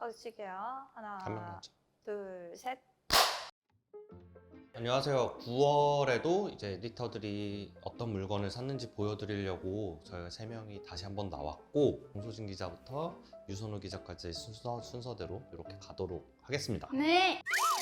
꺼주실게요. 한 명 하나, 먼저. 둘, 셋. 안녕하세요. 9월에도 이제 에디터들이 어떤 물건을 샀는지 보여드리려고 저희가 3명이 다시 한번 나왔고, 공소진 기자부터 유선우 기자까지 순서대로 이렇게 가도록 하겠습니다. 네.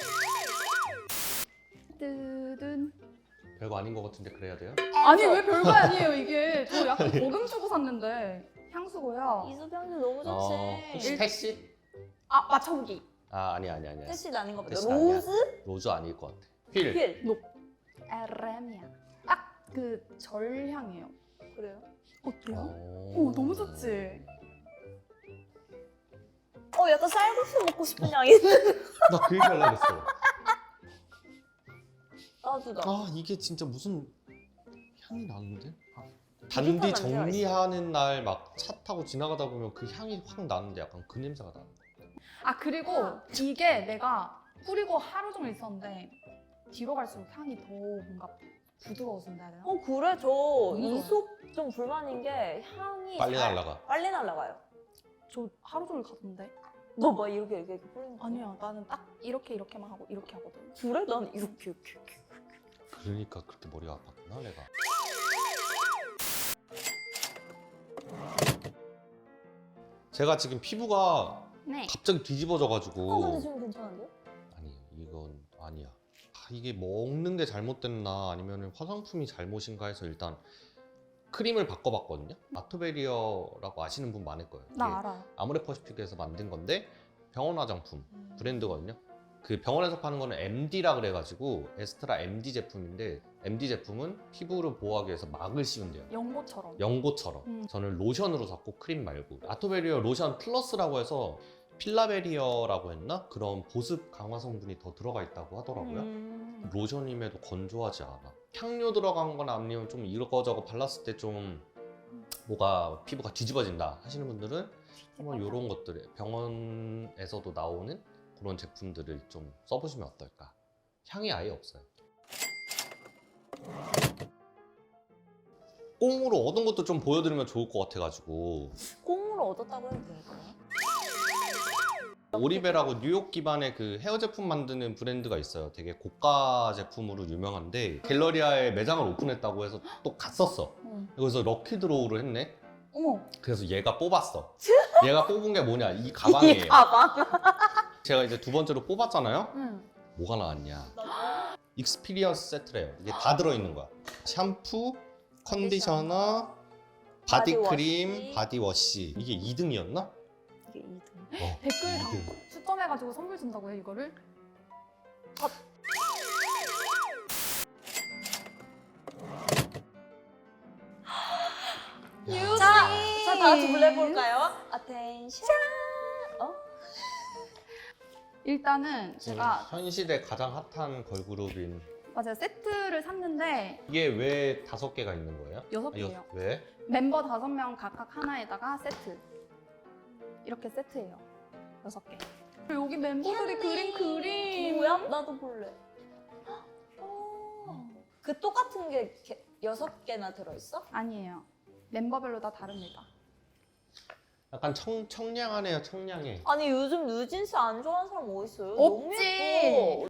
뜨든. 별거 아닌 것 같은데 그래야 돼요? 아니 왜 별거 아니에요 이게. 저 약간 거금 주고 샀는데. 향수고요. 이수병수 너무 좋지. 혹시 태씨? 아 맞춰보기. 아니야. 뜻이 아닌 것 같아. 뜻이 아니야. 로즈? 로즈 아닐 것 같아. 휠. 휠. 에레미아. 딱 그 절향이에요. 그래요? 어때요? 오 너무 좋지. 약간 쌀국수 먹고 싶은 향이 있는. 나 그 얘기 하려고 했어. 나도다. 이게 진짜 무슨 향이 나는데? 비슷한 단디 냄새가 정리하는 날 막 차 타고 지나가다 보면 그 향이 확 나는데 약간 그 냄새가 나는 거야. 아 그리고 이게 내가 뿌리고 하루 종일 있었는데 뒤로 갈수록 향이 더 뭔가 부드러워진다 해야 되나? 그래? 저 좋아요. 이솝 좀 불만인 게 향이 빨리 잘- 날라가. 빨리 날라가요. 저 하루 종일 가던데? 너 막 이렇게 뿌리는 거 아니야 나는 딱 이렇게만 하고 이렇게 하거든. 그래? 난 이렇게. 그러니까 그렇게 머리가 아팠구나 내가. 제가 지금 피부가 네. 갑자기 뒤집어져가지고. 근데 지금 괜찮은데? 아니 이건 아니야. 이게 먹는 게 잘못됐나 아니면 화장품이 잘못인가 해서 일단 크림을 바꿔봤거든요. 아토베리어라고 아시는 분 많을 거예요. 이게 나 알아요. 아모레퍼시픽에서 만든 건데 병원 화장품 브랜드거든요. 그 병원에서 파는 거는 MD라 그래가지고 에스트라 MD 제품인데, MD 제품은 피부를 보호하기 위해서 막을 씌운대요. 연고처럼. 연고처럼. 저는 로션으로 샀고 크림 말고. 아토베리어 로션 플러스라고 해서 필라베리어라고 했나? 그런 보습 강화 성분이 더 들어가 있다고 하더라고요. 로션임에도 건조하지 않아. 향료 들어간 건 아니면 좀 이거저거 발랐을 때 좀 뭐가 피부가 뒤집어진다 하시는 분들은 한번 이런 것들 병원에서도 나오는 그런 제품들을 좀 써보시면 어떨까. 향이 아예 없어요. 꽁으로 얻은 것도 좀 보여드리면 좋을 것 같아가지고. 꽁으로 얻었다고 해도 될까요? 오리베라고 뉴욕 기반의 그 헤어 제품 만드는 브랜드가 있어요. 되게 고가 제품으로 유명한데 갤러리아에 매장을 오픈했다고 해서 또 갔었어. 그래서 럭키 드로우를 했네. 어머. 그래서 얘가 뽑았어. 얘가 뽑은 게 뭐냐? 이 가방이에요. 이 가방. 제가 이제 두 번째로 뽑았잖아요. 응. 뭐가 나왔냐? 익스피리언스 세트래요. 이게 다 들어있는 거야. 샴푸, 컨디셔너, 바디크림, 바디워시. 바디워시. 이게 2등이었나? 이게 2등. 댓글 다 2등. 추첨해가지고 선물 준다고 해 이거를? 자, 다 같이 불러볼까요? 아텐션. 일단은 제가 현 시대 가장 핫한 걸그룹인. 맞아요 세트를 샀는데 이게 왜 5개가 있는 거예요? 6개예요. 왜? 멤버 5명 각각 하나에다가 세트. 이렇게 세트예요. 6개. 그리고 여기 멤버들이 그린 그림. 뭐야? 나도 볼래. 그 똑같은 게 6개나 들어있어? 아니에요. 멤버별로 다 다릅니다. 약간 청량하네요, 청량해. 아니 요즘 뉴진스 안 좋아하는 사람 어디 있어요? 없지. 너무 예뻐.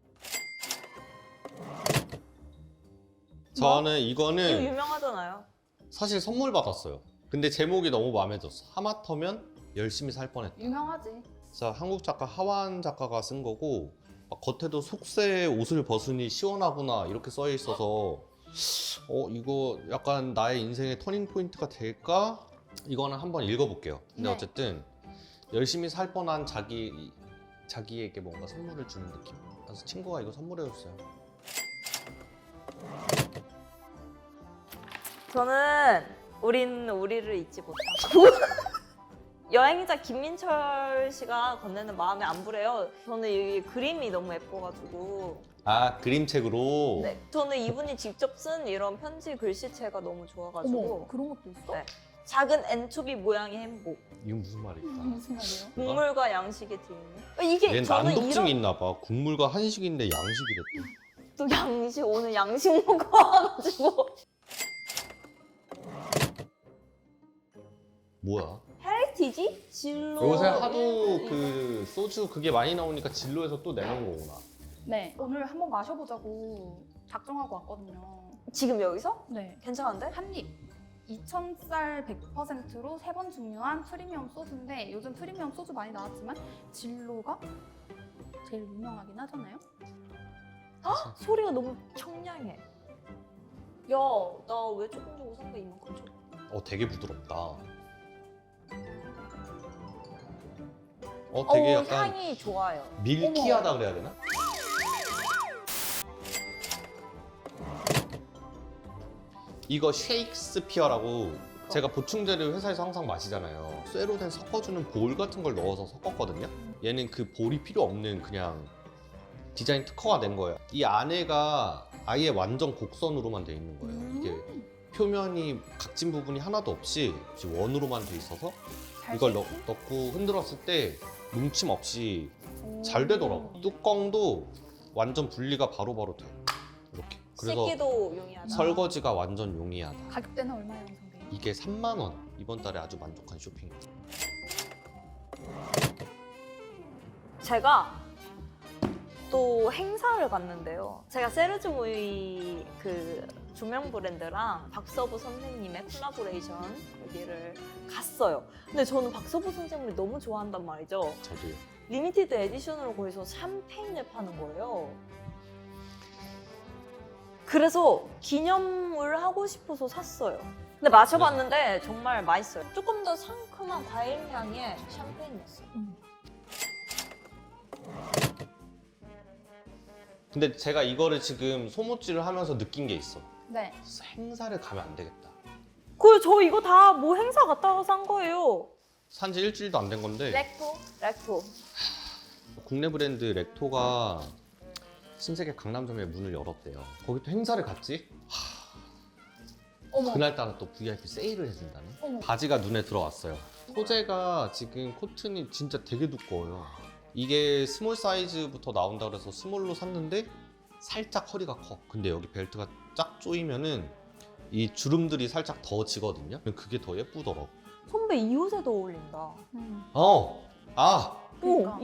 저는 이거 이거는 유명하잖아요. 사실 선물 받았어요. 근데 제목이 너무 마음에 들었어. 하마터면 열심히 살 뻔했다. 유명하지. 자, 한국 작가 하완 작가가 쓴 거고, 막 겉에도 속세 옷을 벗으니 시원하구나 이렇게 써 있어서 이거 약간 나의 인생의 터닝 포인트가 될까? 이거는 한번 읽어볼게요. 근데 네. 어쨌든 열심히 살 뻔한 자기에게 뭔가 선물을 주는 느낌. 그래서 친구가 이거 선물해줬어요. 저는 우린 우리를 잊지 못하고 여행자 김민철 씨가 건네는 마음의 안부래요. 저는 이 그림이 너무 예뻐가지고 아, 그림책으로. 네, 저는 이분이 직접 쓴 이런 편지 글씨체가 너무 좋아가지고 어머 그런 것도 있어? 네. 작은 엔초비 모양의 행복, 이건 무슨 말일까? 무슨 말이에요? 국물과 양식의 뒷면. 이게 얘 저는 난독증이 이런 있나 봐. 국물과 한식인데 양식이랬대. 또 양식 오늘 양식 뭐야? 해리 MTG? 진로. 요새 하도 그 소주 그게 많이 나오니까 진로에서 또 내놓은 거구나. 네, 오늘 한번 마셔보자고 작정하고 왔거든요. 지금 여기서? 네, 괜찮은데? 한입. 2000쌀 100%로 3번 증류한 프리미엄 소주인데 요즘 프리미엄 소주 많이 나왔지만 진로가 제일 유명하긴 하잖아요. 소리가 너무 청량해. 야, 나 왜 조금 주고 산 거 이만큼 줘? 되게 부드럽다. 되게 약간 향이 좋아요. 밀키하다 그래야 되나? 이거 쉐익스피어라고 제가 보충제를 회사에서 항상 마시잖아요. 쇠로 된 섞어주는 볼 같은 걸 넣어서 섞었거든요. 얘는 그 볼이 필요 없는 그냥 디자인 특허가 된 거예요. 이 안에가 아예 완전 곡선으로만 돼 있는 거예요. 이게 표면이 각진 부분이 하나도 없이 원으로만 돼 있어서 이걸 넣고 흔들었을 때 뭉침 없이 잘 되더라고. 뚜껑도 완전 분리가 바로바로 돼. 이렇게. 그래서 씻기도 용이하다. 설거지가 완전 용이하다. 가격대는 얼마예요, 선생님? 이게 3만 원. 이번 달에 아주 만족한 쇼핑. 제가 또 행사를 갔는데요. 제가 세르주무이 그 조명 브랜드랑 박서부 선생님의 콜라보레이션 거기를 갔어요. 근데 저는 박서부 선생님을 너무 좋아한단 말이죠. 저도요. 리미티드 에디션으로 거기서 샴페인을 파는 거예요. 그래서 기념을 하고 싶어서 샀어요. 근데 마셔봤는데 정말 맛있어요. 조금 더 상큼한 과일 향의 샴페인이었어요. 근데 제가 이거를 지금 소모찌를 하면서 느낀 게 있어. 네. 행사를 가면 안 되겠다. 저 이거 다 뭐 행사 갔다가 산 거예요. 산지 일주일도 안 된 건데 렉토. 국내 브랜드 렉토가 신세계 강남점에 문을 열었대요. 거기 또 행사를 갔지? 어머. 그날따라 또 VIP 세일을 해준다네. 어머. 바지가 눈에 들어왔어요. 소재가 지금 코튼이 진짜 되게 두꺼워요. 이게 스몰 사이즈부터 나온다 그래서 스몰로 샀는데 살짝 허리가 커. 근데 여기 벨트가 쫙 조이면은 이 주름들이 살짝 더 지거든요. 그게 더 예쁘더라고. 선배 이 옷에도 어울린다. 그러니까.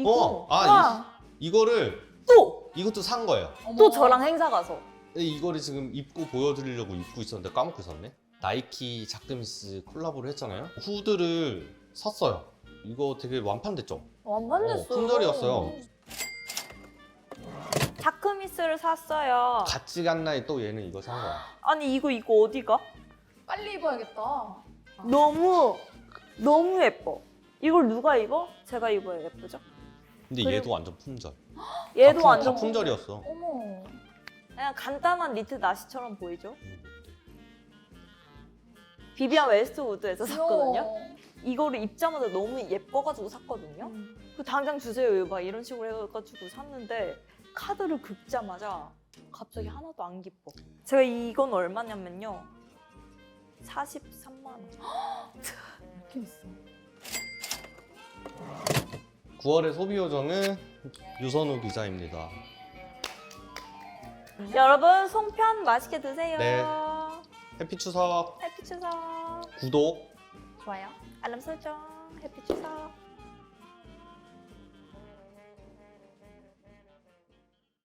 이거를 또! 이것도 산 거예요. 또 저랑 행사 가서. 근데 이거를 지금 입고 보여드리려고 입고 있었는데 까먹고 있었네. 나이키 자크미스 콜라보를 했잖아요. 후드를 샀어요. 이거 되게 완판됐죠? 완판됐어요. 품절이었어요. 자크미스를 샀어요. 같이 간 날 또 얘는 이거 산 거야. 아니 이거 어디가? 빨리 입어야겠다. 너무 예뻐. 이걸 누가 입어? 제가 입어야 예쁘죠? 근데 그리고- 얘도 완전 품절. 얘도 다 완전 품절이었어. 어머. 그냥 간단한 니트 나시처럼 보이죠? 비비안 웨스트우드에서 샀거든요. 이거를 입자마자 너무 예뻐가지고 샀거든요. 그 당장 주세요 막 이런 식으로 해가지고 샀는데 카드를 긁자마자 갑자기 하나도 안 기뻐. 제가 이건 얼마냐면요. 43만 원. 이렇게 있어. 9월의 소비 요정은 유선우 기자입니다. 여러분 송편 맛있게 드세요. 네. 해피 추석. 해피 추석. 구독. 좋아요. 알람 설정. 해피 추석.